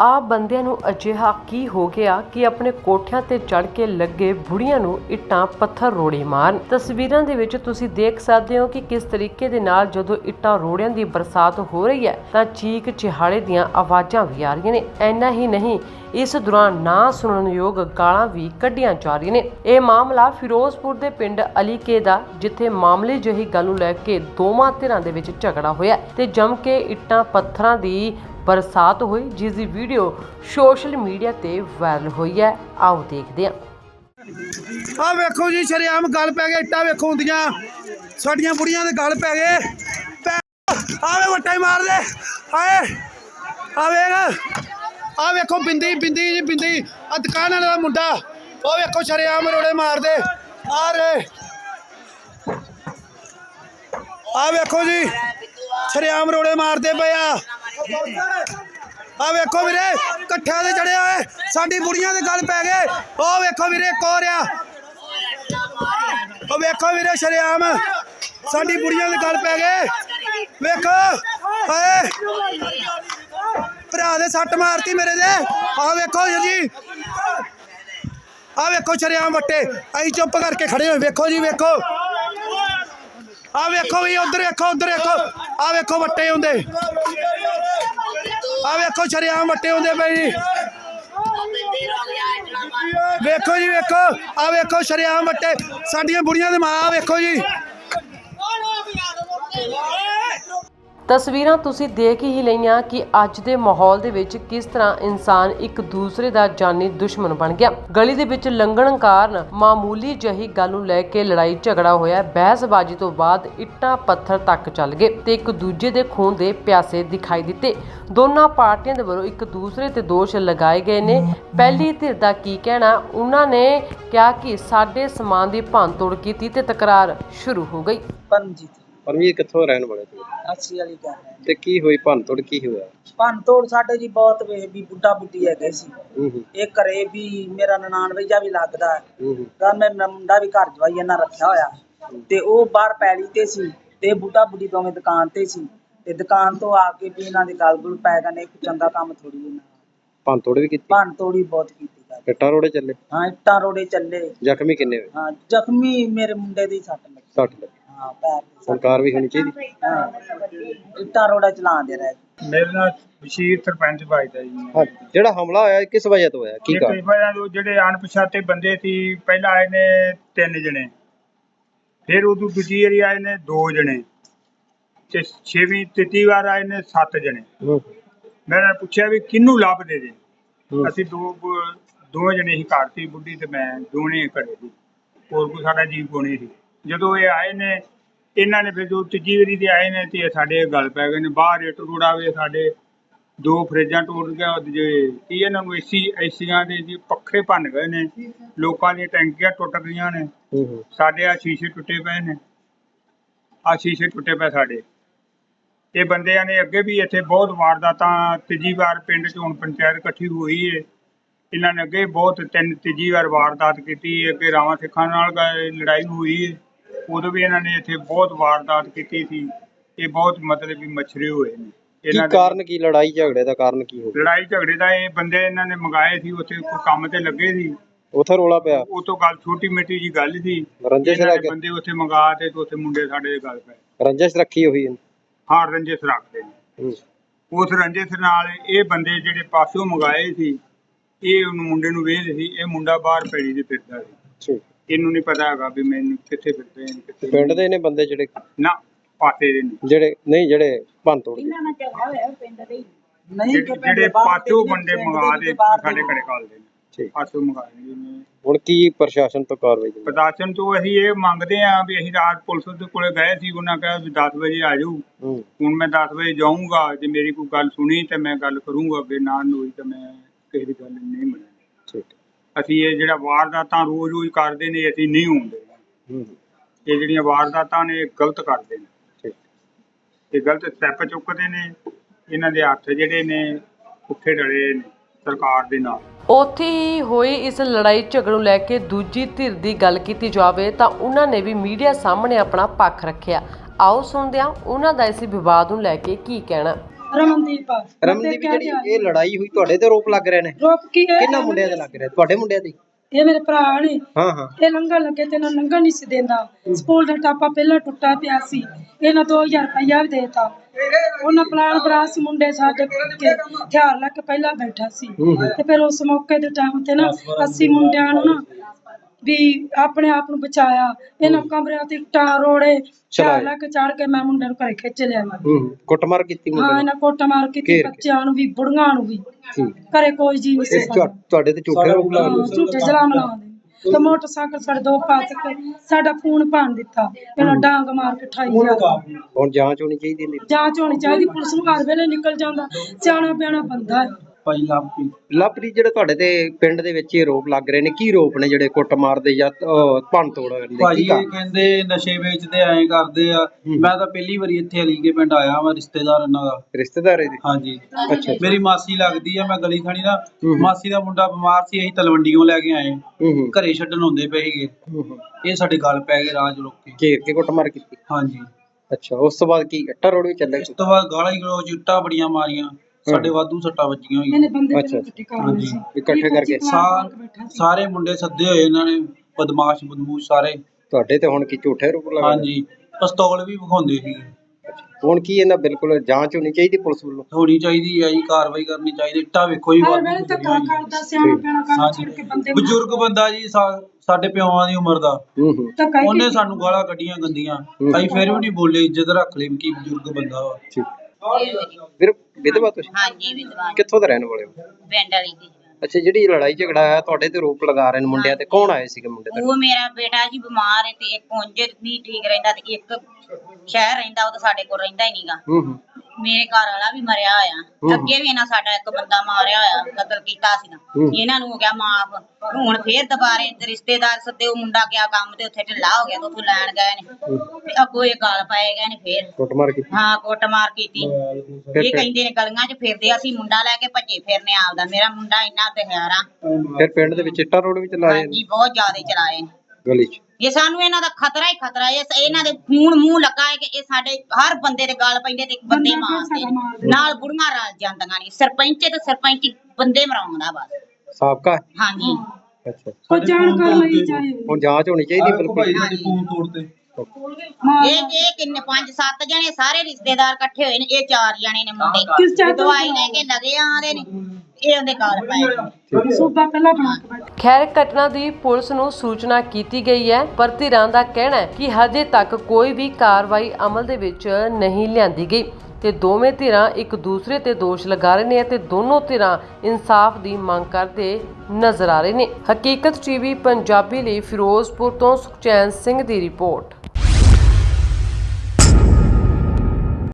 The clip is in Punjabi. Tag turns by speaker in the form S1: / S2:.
S1: ਆ ਬੰਦਿਆਂ ਨੂੰ ਅਜਿਹਾ ਕੀ ਹੋ ਗਿਆ ਕਿ ਆਪਣੇ ਕੋਠਿਆਂ ਤੇ ਚੜ ਕੇ ਲੱਗੇ ਬੁੜੀਆਂ ਨੂੰ ਇੱਟਾਂ ਪੱਥਰ ਰੋੜੇ ਮਾਰਨ। ਤਸਵੀਰਾਂ ਦੇ ਵਿੱਚ ਤੁਸੀਂ ਦੇਖ ਸਕਦੇ ਹੋ ਕਿ ਕਿਸ ਤਰੀਕੇ ਦੇ ਨਾਲ ਜਦੋਂ ਇੱਟਾਂ ਰੋੜਿਆਂ ਦੀ ਬਰਸਾਤ ਹੋ ਰਹੀ ਹੈ ਤਾਂ ਚੀਕ ਚਿਹਾੜੇ ਦੀਆਂ ਆਵਾਜ਼ਾਂ ਵੀ ਆ ਰਹੀਆਂ ਨੇ। ਇੰਨਾ ਹੀ ਨਹੀਂ, ਇਸ ਦੌਰਾਨ ਨਾ ਸੁਣਨਯੋਗ ਗਾਲਾਂ ਵੀ ਕੱਢੀਆਂ ਜਾ ਰਹੀਆਂ ਨੇ। ਇਹ ਮਾਮਲਾ ਫਿਰੋਜ਼ਪੁਰ ਦੇ ਪਿੰਡ ਅਲੀਕੇ ਦਾ, ਜਿੱਥੇ ਮਾਮਲੇ ਜਿਹੀ ਗੱਲ ਨੂੰ ਲੈ ਕੇ ਦੋਵਾਂ ਧਿਰਾਂ ਦੇ ਵਿੱਚ ਝਗੜਾ ਹੋਇਆ ਤੇ ਜੰਮ ਕੇ ਇੱਟਾਂ ਪੱਥਰਾਂ ਦੀ ਬਰਸਾਤ ਹੋਈ, ਜਿਸ ਦੀ ਵੀਡੀਓ ਸੋਸ਼ਲ ਮੀਡੀਆ ਤੇ ਵਾਇਰਲ ਹੋਈ ਹੈ। ਆਓ ਦੇਖਦੇ ਹਾਂ।
S2: ਆ ਵੇਖੋ ਜੀ, ਸ਼ਰੇਆਮ ਗੱਲ ਪੈ ਗਈ। ਇੱਟਾਂ ਵੇਖੋ ਹੁੰਦੀਆਂ ਸਾਡੀਆਂ ਬੁੜੀਆਂ ਦੇ ਗੱਲ ਪੈ ਗਏ। ਆਵੇ ਵੱਟਾ ਹੀ ਮਾਰ ਦੇ। ਹਾਏ ਆ ਵੇਖ, ਆ ਵੇਖੋ ਬਿੰਦੀ ਬਿੰਦੀ ਜੀ, ਬਿੰਦੀ ਆ ਦੁਕਾਨ ਵਾਲੇ ਦਾ ਮੁੰਡਾ, ਉਹ ਵੇਖੋ ਸ਼ਰੇਆਮ ਰੋੜੇ ਮਾਰਦੇ ਆ ਰੇ। ਆ ਵੇਖੋ ਜੀ, ਸ਼ਰੇਆਮ ਰੋੜੇ ਮਾਰਦੇ ਪਏ ਆ ਵੇਖੋ ਵੀਰੇ, ਇਕੱਠਿਆਂ ਦੇ ਚੜੇ ਹੋਏ ਸਾਡੀ ਬੁੜੀਆਂ ਦੇ ਗੱਲ ਪੈ ਗਏ। ਉਹ ਵੇਖੋ ਵੀਰੇ, ਕੋ ਰਿਆ, ਉਹ ਵੇਖੋ ਵੀਰੇ, ਸ਼ਰੇਆਮ ਸਾਡੀ ਬੁੜੀਆਂ ਦੇ ਗੱਲ ਪੈ ਗਏ। ਵੇਖੋ ਹਾਏ, ਭਰਾ ਦੇ ਸੱਟ ਮਾਰਤੀ ਮੇਰੇ ਦੇ। ਆ ਵੇਖੋ ਜੀ, ਆ ਵੇਖੋ ਸ਼ਰੇਆਮ ਵੱਟੇ, ਅਸੀਂ ਚੁੱਪ ਕਰਕੇ ਖੜੇ ਹੋਏ। ਵੇਖੋ ਜੀ, ਵੇਖੋ ਆ ਵੇਖੋ ਵੀ, ਉਧਰ ਵੇਖੋ, ਉਧਰ ਵੇਖੋ, ਆ ਵੇਖੋ ਵੱਟੇ ਹੁੰਦੇ, ਆ ਵੇਖੋ ਸ਼ਰੇਆਮ ਵੱਟੇ ਹੁੰਦੇ ਪਏ ਜੀ। ਵੇਖੋ ਜੀ, ਵੇਖੋ ਆ ਵੇਖੋ ਸ਼ਰੇਆਮ ਵੱਟੇ ਸਾਡੀਆਂ ਬੁੜੀਆਂ ਦੇ ਮਾਂ। ਵੇਖੋ ਜੀ,
S1: ਤਸਵੀਰਾਂ ਤੁਸੀਂ ਦੇਖ ਹੀ ਲਈਆਂ ਕਿ ਅੱਜ ਦੇ ਮਾਹੌਲ ਦੇ ਵਿੱਚ ਕਿਸ ਤਰ੍ਹਾਂ ਇਨਸਾਨ ਇੱਕ ਦੂਸਰੇ ਦਾ ਜਾਨੀ ਦੁਸ਼ਮਣ ਬਣ ਗਿਆ। ਗਲੀ ਦੇ ਵਿੱਚ ਲੰਘਣ ਕਾਰਨ ਮਾਮੂਲੀ ਜਿਹੀ ਗੱਲ ਨੂੰ ਲੈ ਕੇ ਲੜਾਈ ਝਗੜਾ ਹੋਇਆ। ਬਹਿਸਬਾਜ਼ੀ ਤੋਂ ਬਾਅਦ ਇੱਟਾਂ ਪੱਥਰ ਤੱਕ ਚੱਲ ਗਏ ਤੇ ਇੱਕ ਦੂਜੇ ਦੇ ਖੂਨ ਦੇ ਪਿਆਸੇ ਦਿਖਾਈ ਦਿੱਤੇ। ਦੋਨਾਂ ਪਾਰਟੀਆਂ ਦੇ ਵੱਲੋਂ ਇੱਕ ਦੂਸਰੇ ਤੇ ਦੋਸ਼ ਲਗਾਏ ਗਏ ਨੇ। ਪਹਿਲੀ ਧਿਰ ਦਾ ਕੀ ਕਹਿਣਾ, ਉਹਨਾਂ ਨੇ ਕਿਹਾ ਕਿ ਸਾਡੇ ਸਮਾਨ ਦੀ ਭੰਨਤੋੜ ਕੀਤੀ ਤੇ ਤਕਰਾਰ ਸ਼ੁਰੂ ਹੋ ਗਈ।
S3: ਪਰਮਜੀਤ ਕਿੱਥੋਂ ਰਹਿਣ ਵਾਲੇ ਤੁਸੀਂ?
S4: अस्सी वाली क्या है
S3: ਤੇ ਕੀ ਹੋਈ ਭੰਨਤੋੜ, ਕੀ ਹੋਇਆ?
S4: ਭੰਨਤੋੜ ਸਾਡੇ ਜੀ ਬਹੁਤ ਵੇ ਵੀ ਬੁੱਢਾ ਬੁੱਢੀ ਹੈਗੇ ਸੀ। ਇਹ ਘਰੇ ਵੀ ਮੇਰਾ ਨਨਾਣ ਵਈਆ ਵੀ ਲੱਗਦਾ ਤਾਂ ਮੇਰਾ ਮੁੰਡਾ ਵੀ ਘਰ ਜਵਾਈ ਇਹਨਾਂ ਰੱਖਿਆ ਹੋਇਆ ਤੇ ਉਹ ਬਾਹਰ ਪੈਲੀ ਤੇ ਸੀ ਤੇ ਬੁੱਢਾ ਬੁੱਢੀ ਦੋਵੇਂ ਦੁਕਾਨ ਤੇ ਸੀ ਤੇ ਦੁਕਾਨ ਤੋਂ ਆ ਕੇ ਵੀ ਇਹਨਾਂ ਦੇ ਗਲ ਗੁਲ ਪੈ ਗਏ ਨੇ। ਚੰਗਾ ਕੰਮ ਥੋੜੀ ਇਹਨਾਂ
S3: ਭੰਨਤੋੜ ਵੀ ਕੀਤੀ?
S4: ਭੰਨਤੋੜ ਹੀ ਬਹੁਤ ਕੀਤੀ।
S3: ਇੱਟਾਂ ਰੋੜੇ ਚੱਲੇ?
S4: ਹਾਂ, ਇੱਟਾਂ ਰੋੜੇ ਚੱਲੇ।
S3: ਜ਼ਖਮੀ ਕਿੰਨੇ ਹੋਏ?
S4: ਹਾਂ, ਜ਼ਖਮੀ ਮੇਰੇ ਮੁੰਡੇ ਦੀ ਸੱਟ ਲੱਗੀ।
S3: 60 ਲੱਗੇ।
S4: ਹਾਂ, ਪੈਰ ਤੇ
S3: ਸਰਕਾਰ ਵੀ ਹੋਣੀ ਚਾਹੀਦੀ।
S4: ਇੱਟਾਂ ਰੋੜਾ ਚਲਾਉਂਦੇ ਰਹੇ।
S5: ਮੇਰੇ ਨਾਲ ਬਸ਼ੀਰ ਸਰਪੰਚ ਵੱਜਦਾ ਜੀ।
S3: ਹਾਂ, ਜਿਹੜਾ ਹਮਲਾ ਹੋਇਆ ਕਿਸ ਵਜ੍ਹਾ ਤੋਂ ਹੋਇਆ, ਕੀ
S5: ਇਹ
S3: ਕਾਰਨ?
S5: ਕਈ ਵਾਰਾਂ ਤੋਂ ਜਿਹੜੇ ਅਣਪਛਾਤੇ ਬੰਦੇ ਸੀ, ਪਹਿਲਾਂ ਆਏ ਨੇ 3 ਜਣੇ, ਫਿਰ ਉਦੋਂ ਦੂਜੀ ਵਾਰੀ ਆਏ ਨੇ 2 ਜਣੇ ਤੇ 6ਵੀਂ ਤੀਜੀ ਵਾਰ ਆਏ ਨੇ 7 ਜਣੇ। ਮੈਂ ਪੁੱਛਿਆ ਵੀ ਕਿਹਨੂੰ ਲੱਭਦੇ ਜੇ? ਅਸੀਂ ਦੋ ਜਣੇ ਹੀ ਘਰ ਸੀ, ਬੁੱਢੀ ਤੇ ਮੈਂ, ਦੋਨੇ ਘਰੇ ਸੀ, ਹੋਰ ਕੋਈ ਸਾਡਾ ਜੀਵ ਕੋਣੀ ਸੀ। ਜਦੋਂ ਇਹ ਆਏ ਨੇ, ਇਹਨਾਂ ਨੇ ਫਿਰ ਜੋ ਤੀਜੀ ਵਾਰੀ ਦੇ ਆਏ ਨੇ ਤੇ ਸਾਡੇ ਗੱਲ ਪੈ ਗਏ ਨੇ। ਬਾਹਰ ਇੱਟ ਰੋੜਾਵੇ, ਸਾਡੇ 2 ਫਰਿੱਜਾਂ ਟੁੱਟ ਗਿਆ ਜੇ ਕੀ ਇਹਨਾਂ ਨੂੰ ਏਸੀਆਂ ਦੇ ਜੀ ਪੱਖੇ ਭੰਨ ਗਏ ਨੇ, ਲੋਕਾਂ ਦੀਆਂ ਟੈਂਕੀਆਂ ਟੁੱਟ ਗਈਆਂ ਨੇ, ਸਾਡੇ ਆ ਸ਼ੀਸ਼ੇ ਟੁੱਟੇ ਪਏ ਨੇ, ਆ ਸ਼ੀਸ਼ੇ ਟੁੱਟੇ ਪਏ ਸਾਡੇ। ਇਹ ਬੰਦਿਆਂ ਨੇ ਅੱਗੇ ਵੀ ਇੱਥੇ ਬਹੁਤ ਵਾਰਦਾਤਾਂ, ਤੀਜੀ ਵਾਰ ਪਿੰਡ 'ਚ ਹੁਣ ਪੰਚਾਇਤ ਇਕੱਠੀ ਹੋਈ ਏ, ਇਹਨਾਂ ਨੇ ਅੱਗੇ ਬਹੁਤ ਤੀਜੀ ਵਾਰ ਵਾਰਦਾਤ ਕੀਤੀ। ਅੱਗੇ ਰਾਵਾਂ ਸਿੱਖਾਂ ਨਾਲ ਲੜਾਈ ਹੋਈ ਏ, ਉਦੋਂ ਵੀ ਇਹਨਾਂ ਨੇ ਇੱਥੇ ਬਹੁਤ ਵਾਰਦਾਤ ਕੀਤੀ ਸੀ। ਇਹ ਬਹੁਤ ਮਤਲਬ ਵੀ ਮਛਰੇ ਹੋਏ ਨੇ।
S3: ਕੀ ਕਾਰਨ, ਕੀ ਲੜਾਈ ਝਗੜੇ ਦਾ ਕਾਰਨ ਕੀ ਹੋ ਗਿਆ?
S5: ਲੜਾਈ ਝਗੜੇ ਦਾ ਇਹ ਬੰਦੇ ਇਹਨਾਂ ਨੇ ਮੰਗਾਏ ਸੀ, ਉੱਥੇ ਕੋਈ ਕੰਮ ਤੇ ਲੱਗੇ ਸੀ,
S3: ਉੱਥੇ ਰੋਲਾ ਪਿਆ।
S5: ਉਹ ਤੋਂ ਗੱਲ ਛੋਟੀ ਮਿੱਟੀ ਜੀ ਗੱਲ ਸੀ।
S3: ਰੰਜਿਸ਼ ਰੱਖ
S5: ਬੰਦੇ ਉੱਥੇ ਮੰਗਾ ਤੇ ਉੱਥੇ ਮੁੰਡੇ ਸਾਡੇ ਦੇ ਗੱਲ ਪਏ।
S3: ਰੰਜਿਸ਼ ਰੱਖੀ ਹੋਈ ਹੈ?
S5: ਹਾਂ, ਰੰਜਿਸ਼ ਰੱਖਦੇ ਨੇ। ਉਸ ਰੰਜਿਸ਼ ਨਾਲ ਇਹ ਬੰਦੇ ਜਿਹੜੇ ਪਾਸੋਂ ਮੰਗਾਏ ਸੀ, ਇਹ ਉਹਨੂੰ ਮੁੰਡੇ ਨੂੰ ਵੇਚਦੇ ਸੀ। ਇਹ ਮੁੰਡਾ ਬਾਹਰ ਪੈੜੀ ਦੇ ਫਿਰਦਾ ਸੀ, ਇਹਨੂੰ ਨਹੀਂ ਪਤਾ ਹੈਗਾ ਵੀ ਮੈਨੂੰ ਕਿੱਥੇ ਫਿਰਦੇ ਨੇ, ਕਿੱਥੇ।
S3: ਪਿੰਡ ਦੇ ਨੇ ਬੰਦੇ ਜਿਹੜੇ?
S5: ਨਾ, ਪਾਸੇ ਦੇ ਨੇ
S3: ਜਿਹੜੇ ਨਹੀਂ, ਜਿਹੜੇ ਭੰਨਤੋੜ
S4: ਨਹੀਂ,
S5: ਜਿਹੜੇ ਪਾਸੋਂ ਬੰਦੇ ਮੰਗਾ ਦੇ ਸਾਡੇ ਘਰੇ ਕਾਲਦੇ ਨੇ, ਪਾਸੋਂ ਮੰਗਾਏ ਨੇ।
S3: ਹੁਣ ਕੀ ਪ੍ਰਸ਼ਾਸਨ ਤੋਂ ਕਾਰਵਾਈ?
S5: ਪ੍ਰਸ਼ਾਸਨ ਤੋਂ ਅਸੀਂ ਇਹ ਮੰਗਦੇ ਆ ਵੀ ਅਸੀਂ ਰਾਤ ਪੁਲਿਸ ਦੇ ਕੋਲੇ ਗਏ ਸੀ, ਉਹਨਾਂ ਕਿਹਾ ਵੀ 10 ਵਜੇ ਆ ਜਾਓ। ਹੁਣ ਮੈਂ 10 ਵਜੇ ਜਾਊਂਗਾ, ਜੇ ਮੇਰੀ ਕੋਈ ਗੱਲ ਸੁਣੀ ਤੇ ਮੈਂ ਗੱਲ ਕਰੂੰਗਾ, ਅੱਗੇ ਨਾ ਹੋਈ ਤਾਂ ਮੈਂ ਕਿਸੇ ਦੀ ਗੱਲ ਨਹੀਂ ਮੰਨਣੀ। ਅਸੀਂ ਇਹ ਜਿਹੜਾ ਵਾਰਦਾਤਾਂ ਰੋਜ਼ ਕਰਦੇ ਨੇ, ਅਸੀਂ ਨਹੀਂ ਹੁੰਦੇ। ਇਹ ਜਿਹੜੀਆਂ ਵਾਰਦਾਤਾਂ ਨੇ ਗਲਤ ਕਰਦੇ ਨੇ, ਇਹ ਗਲਤ ਸਟੈਪ ਚੁੱਕਦੇ ਨੇ। ਇਹਨਾਂ ਦੇ ਹੱਥ ਜਿਹੜੇ ਨੇ ਪੁੱਠੇ ਡਲੇ ਨੇ ਸਰਕਾਰ ਦੇ ਨਾਲ।
S1: ਉੱਥੇ ਹੀ ਹੋਈ ਇਸ ਲੜਾਈ ਝਗੜੇ ਨੂੰ ਲੈ ਕੇ ਦੂਜੀ ਧਿਰ ਦੀ ਗੱਲ ਕੀਤੀ ਜਾਵੇ ਤਾਂ ਉਹਨਾਂ ਨੇ ਵੀ ਮੀਡੀਆ ਸਾਹਮਣੇ ਆਪਣਾ ਪੱਖ ਰੱਖਿਆ। ਆਓ ਸੁਣਦੇ ਹਾਂ ਉਹਨਾਂ ਦਾ ਇਸ ਵਿਵਾਦ ਨੂੰ ਲੈ ਕੇ ਕੀ ਕਹਿਣਾ।
S6: ਰਮਨਦੀਪ
S3: ਰਮਨਦੀਪ ਜਿਹੜੀ ਇਹ ਲੜਾਈ ਹੋਈ ਤੁਹਾਡੇ ਤੇ ਆਰੋਪ ਲੱਗ ਰਹੇ ਨੇ,
S6: ਰੋਕ ਕੀ ਹੈ
S3: ਕਿੰਨਾ ਮੁੰਡਿਆਂ ਦੇ ਲੱਗ ਰਹੇ? ਤੁਹਾਡੇ ਮੁੰਡਿਆਂ ਦੇ?
S6: ਇਹ ਮੇਰੇ ਭਰਾ ਨੇ।
S3: ਹਾਂ ਹਾਂ।
S6: ਇਹ ਲੰਘਣ ਲੱਗੇ ਤੇ ਇਹਨਾਂ ਲੰਘਣ ਨਹੀਂ ਸੀ ਦਿੰਦਾ। ਸਕੂਲ ਦਾ ਟਾਪਾ ਪਹਿਲਾਂ ਟੁੱਟਾ ਪਿਆ ਸੀ, ਇਹਨਾਂ 2000 ਰੁਪਇਆ ਵੀ ਦੇਤਾ। ਉਹਨਾਂ ਪਲਾਨ ਬਰਾਸ ਮੁੰਡੇ ਸਾਡੇ ਕੇ ਹਥਿਆਰ ਲੈ ਕੇ ਪਹਿਲਾਂ ਬੈਠਾ ਸੀ ਤੇ ਫਿਰ ਉਸ ਮੌਕੇ ਦੇ ਟਾਈਮ ਤੇ ਨਾ 80 ਮੁੰਡਿਆਂ ਨੂੰ ਨਾ ਵੀ ਆਪਣੇ ਆਪ ਨੂੰ ਬਚਾਇਆ। ਇਹਨਾਂ ਕਮਰਿਆਂ ਤੇ ਇੱਟਾਂ ਰੋੜੇ ਹਥਿਆਰ ਲੈ ਕੇ ਚੜ ਕੇ ਮੈਂ ਮੁੰਡੇ ਨੂੰ ਘਰੇ ਖਿੱਚ ਲਿਆ।
S3: ਕੁੱਟਮਾਰ ਕੀਤੀ ਮੁੰਡੇ
S6: ਹਾਂ,
S3: ਨੇ?
S6: ਇਹਨਾਂ ਕੁੱਟਮਾਰ ਕੀਤੀ, ਬੱਚਿਆਂ ਨੂੰ ਵੀ ਬੁੜੀਆਂ ਨੂੰ ਵੀ। ਘਰੇ ਕੋਈ ਜੀ ਨਹੀਂ ਸੀ।
S3: ਤੁਹਾਡੇ ਤੇ ਝੂਠੇ ਆਰੋਪ ਲਾ ਰਹੇ?
S6: ਝੂਠੇ ਜਲਾਮ ਲਾਉਂਦੇ ਤੇ ਮੋਟਰਸਾਈਕਲ ਸਾਡੇ 2 ਪਾਸ ਕੇ ਸਾਡਾ ਫੋਨ ਭੰਨ ਦਿੱਤਾ। ਇਹਨਾਂ ਡਾਂਗ ਮਾਰ ਕੇ ਠਾਈ ਗਿਆ।
S3: ਹੁਣ ਜਾਂਚ ਹੋਣੀ ਚਾਹੀਦੀ ਹੈ?
S6: ਜਾਂਚ ਹੋਣੀ ਚਾਹੀਦੀ, ਪੁਲਿਸ ਨੂੰ ਹਰ ਵੇਲੇ ਨਿਕਲ ਜਾਂਦਾ। ਸਿਆਣਾ ਪਿਆਣਾ ਬੰਦਾ ਹੈ।
S3: ਲਵਪ੍ਰੀਤ, ਜਿਹੜੇ ਤੁਹਾਡੇ ਤੇ ਪਿੰਡ ਦੇ ਵਿੱਚ ਇਹ ਆਰੋਪ ਲੱਗ ਰਹੇ ਨੇ, ਕੀ ਆਰੋਪ ਨੇ ਜਿਹੜੇ ਕੁੱਟਮਾਰ ਦੇ ਜਾਂ ਭੰਨ ਤੋੜ ਦੇ?
S7: ਭਾਜੀ ਇਹ ਕਹਿੰਦੇ ਨਸ਼ੇ ਵੇਚਦੇ ਐਂ ਕਰਦੇ ਆ। ਮੈਂ ਤਾਂ ਪਹਿਲੀ ਵਾਰੀ ਇੱਥੇ ਅਲੀਗੇ ਪਿੰਡ ਆਇਆ, ਮੈਂ ਰਿਸ਼ਤੇਦਾਰ ਇਹਨਾਂ ਦਾ।
S3: ਰਿਸ਼ਤੇਦਾਰ ਇਹਦੇ?
S7: ਹਾਂਜੀ।
S3: ਅੱਛਾ।
S7: ਮੇਰੀ ਮਾਸੀ ਲੱਗਦੀ ਆ। ਮੈਂ ਗਲੀ ਥਾਣੀ ਦਾ, ਮਾਸੀ ਦਾ ਮੁੰਡਾ ਬਿਮਾਰ ਸੀ, ਅਸੀਂ ਤਲਵੰਡੀਓਂ ਲੈ ਕੇ ਆਏ, ਘਰੇ ਛੱਡਣ ਆਉਂਦੇ ਪਏ ਸੀਗੇ। ਇਹ ਸਾਡੇ ਗੱਲ ਪੈ ਗਏ, ਰਾਜ ਰੋਕ ਕੇ
S3: ਘੇਰ ਕੇ ਕੁੱਟਮਾਰ ਕੀਤੀ?
S7: ਹਾਂਜੀ।
S3: ਅੱਛਾ, ਉਸ ਤੋਂ ਬਾਅਦ ਕੀ ਇੱਟਾਂ ਰੋਡ ਵੀ ਚੱਲੇ?
S7: ਉਸ ਤੋਂ ਬਾਅਦ ਗਾਲਾਂ ਗਲੋਚ, ਇੱਟਾਂ ਬੜੀਆਂ ਮਾਰੀਆਂ, ਸਾਡੇ ਵਾਧੂ ਸੱਟਾਂ ਵੱਜੀਆਂ ਹੋਈਆਂ।
S6: ਇਹਨੇ ਬੰਦੇ
S3: ਅੱਛਾ।
S7: ਹਾਂਜੀ।
S3: ਇਕੱਠੇ ਕਰਕੇ
S7: ਸਾਰੇ ਮੁੰਡੇ ਸੱਦੇ ਹੋਏ ਇਹਨਾਂ ਨੇ, ਬਦਮਾਸ਼ ਬਦਮੂਸ਼ ਸਾਰੇ।
S3: ਤੁਹਾਡੇ ਤੇ ਹੁਣ ਕੀ ਝੂਠੇ ਆਰੋਪ ਲਗਾ?
S7: ਹਾਂਜੀ, ਪਿਸਤੌਲ ਵੀ ਵਿਖਾਉਂਦੇ ਸੀ।
S3: ਹੁਣ ਕੀ ਇਹਨਾਂ ਬਿਲਕੁਲ ਜਾਂਚ ਹੋਣੀ ਚਾਹੀਦੀ ਪੁਲਿਸ ਵੱਲੋਂ?
S7: ਹੋਣੀ ਚਾਹੀਦੀ ਹੈ ਜੀ, ਕਾਰਵਾਈ ਕਰਨੀ ਚਾਹੀਦੀ। ਇੱਟਾਂ ਵੇਖੋ ਜੀ,
S6: ਹਰ ਵੇਲੇ ਧੱਕਾ ਕਰਦਾ, ਸਿਆਣਾ ਪਿਆਣਾ ਕੰਮ ਛੱਡ ਕੇ ਬੰਦੇ
S7: ਬਜ਼ੁਰਗ ਬੰਦਾ ਜੀ, ਸਾਡੇ ਪਿਓਾਂ ਦੀ ਉਮਰ ਦਾ।
S6: ਧੱਕਾ ਹੀ
S7: ਉਹਨੇ ਸਾਨੂੰ ਗਾਲਾਂ ਕੱਢੀਆਂ ਗੰਦੀਆਂ, ਅਸੀਂ ਫਿਰ ਵੀ ਨਹੀਂ ਬੋਲੇ, ਇੱਜ਼ਤ ਰੱਖ ਲਈ ਕੀ ਬਜ਼ੁਰਗ ਬੰਦਾ ਵਾ।
S3: ਫਿਰ ਵਿਧਵਾ ਤੁਸੀਂ?
S8: ਹਾਂਜੀ ਵਿਧਵਾ।
S3: ਕਿੱਥੋਂ ਦੇ ਰਹਿਣ ਵਾਲੇ ਹੋ?
S8: ਪਿੰਡ ਵਾਲੀ ਦੀ।
S3: ਅੱਛਾ, ਜਿਹੜੀ ਲੜਾਈ ਝਗੜਾ ਆਇਆ ਤੁਹਾਡੇ ਤੇ ਆਰੋਪ ਲਗਾ ਰਹੇ ਨੇ ਮੁੰਡਿਆਂ ਤੇ, ਕੌਣ ਆਏ ਸੀਗੇ ਮੁੰਡੇ ਤੇ?
S8: ਉਹ ਮੇਰਾ ਬੇਟਾ ਜੀ ਬਿਮਾਰ ਹੈ ਤੇ ਇੱਕ ਉਂਝ ਨਹੀਂ ਠੀਕ ਰਹਿੰਦਾ ਤੇ ਇੱਕ ਸ਼ਹਿਰ ਰਹਿੰਦਾ, ਉਹ ਤਾਂ ਸਾਡੇ ਕੋਲ ਰਹਿੰਦਾ ਹੀ ਨਹੀਂਗਾ। ਮੇਰੇ ਘਰ ਵਾਲਾ ਵੀ ਮਰਿਆ ਹੋਇਆ। ਅੱਗੇ ਵੀ ਇਹਨਾਂ ਸਾਡਾ ਇੱਕ ਬੰਦਾ ਮਾਰਿਆ ਹੋਇਆ, ਕਤਲ ਕੀਤਾ ਸੀ ਨਾ। ਇਹਨਾਂ ਨੂੰ ਹੋ ਗਿਆ ਮਾਫ। ਹੁਣ ਫੇਰ ਦੁਬਾਰੇ ਰਿਸ਼ਤੇਦਾਰ ਸੱਦੇ, ਉਹ ਮੁੰਡਾ ਗਿਆ ਕੰਮ ਤੇ ਉੱਥੇ ਢਿੱਲਾ ਹੋ ਗਿਆ ਤੇ ਉੱਥੋਂ ਲੈਣ ਗਏ ਨੇ ਤੇ ਅੱਗੋਂ ਇਹ ਗਾਲ ਪਾਏ ਗਏ ਨੇ। ਫੇਰ
S3: ਕੁੱਟਮਾਰ ਕੀਤੀ?
S8: ਹਾਂ, ਕੁੱਟਮਾਰ ਕੀਤੀ। ਇਹ ਕਹਿੰਦੇ ਨੇ ਗਲੀਆਂ 'ਚ ਫਿਰਦੇ, ਅਸੀਂ ਮੁੰਡਾ ਲੈ ਕੇ ਭੱਜੇ ਫਿਰਨੇ ਆਪਦਾ। ਮੇਰਾ ਮੁੰਡਾ ਇੰਨਾ ਦਿਹਾਰਾ।
S3: ਫਿਰ ਪਿੰਡ ਦੇ ਵਿੱਚ ਇੱਟਾਂ ਰੋਡ ਵੀ ਚਲਾਏ?
S8: ਹਾਂਜੀ, ਬਹੁਤ ਜ਼ਿਆਦਾ ਚਲਾਏ ਨੇ
S3: ਗਲੀ 'ਚ। ਇਹ
S8: ਸਾਨੂੰ ਇਹਨਾਂ ਦਾ ਖਤਰਾ ਹੀ ਖਤਰਾ ਹੈ। ਇਹਨਾਂ ਦੇ ਖੂਨ ਮੂੰਹ ਲੱਗਾ ਹੈ ਕਿ ਇਹ ਸਾਡੇ ਹਰ ਬੰਦੇ ਦੇ ਗਾਲ ਪੈਂਦੇ ਤੇ ਬੰਦੇ ਮਾਰਦੇ ਨਾਲ ਬੁੜੀਆਂ ਰਲ ਜਾਂਦੀਆਂ ਨੇ। ਸਰਪੰਚ ਤੇ ਸਰਪੰਚੀ ਬੰਦੇ ਮਰਾਉਂਦਾ ਬਸ।
S3: ਸਾਬਕਾ?
S8: ਹਾਂਜੀ।
S3: ਅੱਛਾ।
S6: ਕੋਈ ਜਾਣਕਾਰੀ ਲਈ ਜਾਏ।
S3: ਹੁਣ ਜਾਂਚ ਹੋਣੀ ਚਾਹੀਦੀ ਬਿਲਕੁਲ।
S7: ਫੋਨ ਤੋੜਦੇ
S8: ਇਹ ਕਿੰਨੇ 5-7 ਜਣੇ ਸਾਰੇ ਰਿਸ਼ਤੇਦਾਰ ਇਕੱਠੇ ਹੋਏ ਨੇ। ਇਹ 4 ਜਣੇ ਨੇ ਮੁੰਡੇ, ਦਵਾਈ ਲੈ ਕੇ ਲਗੇ ਆਂਦੇ ਨੇ। ਇਹ ਉਹਦੇ ਗਾਲ ਪਏ।
S6: ਸੂਬਾ ਪਹਿਲਾਂ ਬਣਾ ਕੇ ਬੈਠਾ।
S1: ਖੈਰ, ਘਟਨਾ ਦੀ ਪੁਲਿਸ ਨੂੰ ਸੂਚਨਾ ਕੀਤੀ ਗਈ ਹੈ, ਪਰ ਧਿਰਾਂ ਦਾ ਕਹਿਣਾ ਹੈ ਕਿ ਹਜੇ ਤੱਕ ਕੋਈ ਵੀ ਕਾਰਵਾਈ ਅਮਲ ਦੇ ਵਿੱਚ ਨਹੀਂ ਲਿਆਂਦੀ ਗਈ ਤੇ ਦੋਵੇਂ ਧਿਰਾਂ ਇੱਕ ਦੂਸਰੇ ਤੇ ਦੋਸ਼ ਲਗਾ ਰਹੇ ਨੇ ਤੇ ਦੋਨੋਂ ਧਿਰਾਂ ਇਨਸਾਫ ਦੀ ਮੰਗ ਕਰਦੇ ਨਜ਼ਰ ਆ ਰਹੇ ਨੇ। ਹਕੀਕਤ ਟੀਵੀ ਪੰਜਾਬੀ ਲਈ ਫਿਰੋਜ਼ਪੁਰ ਤੋਂ ਸੁਖਚੈਨ ਸਿੰਘ ਦੀ ਰਿਪੋਰਟ।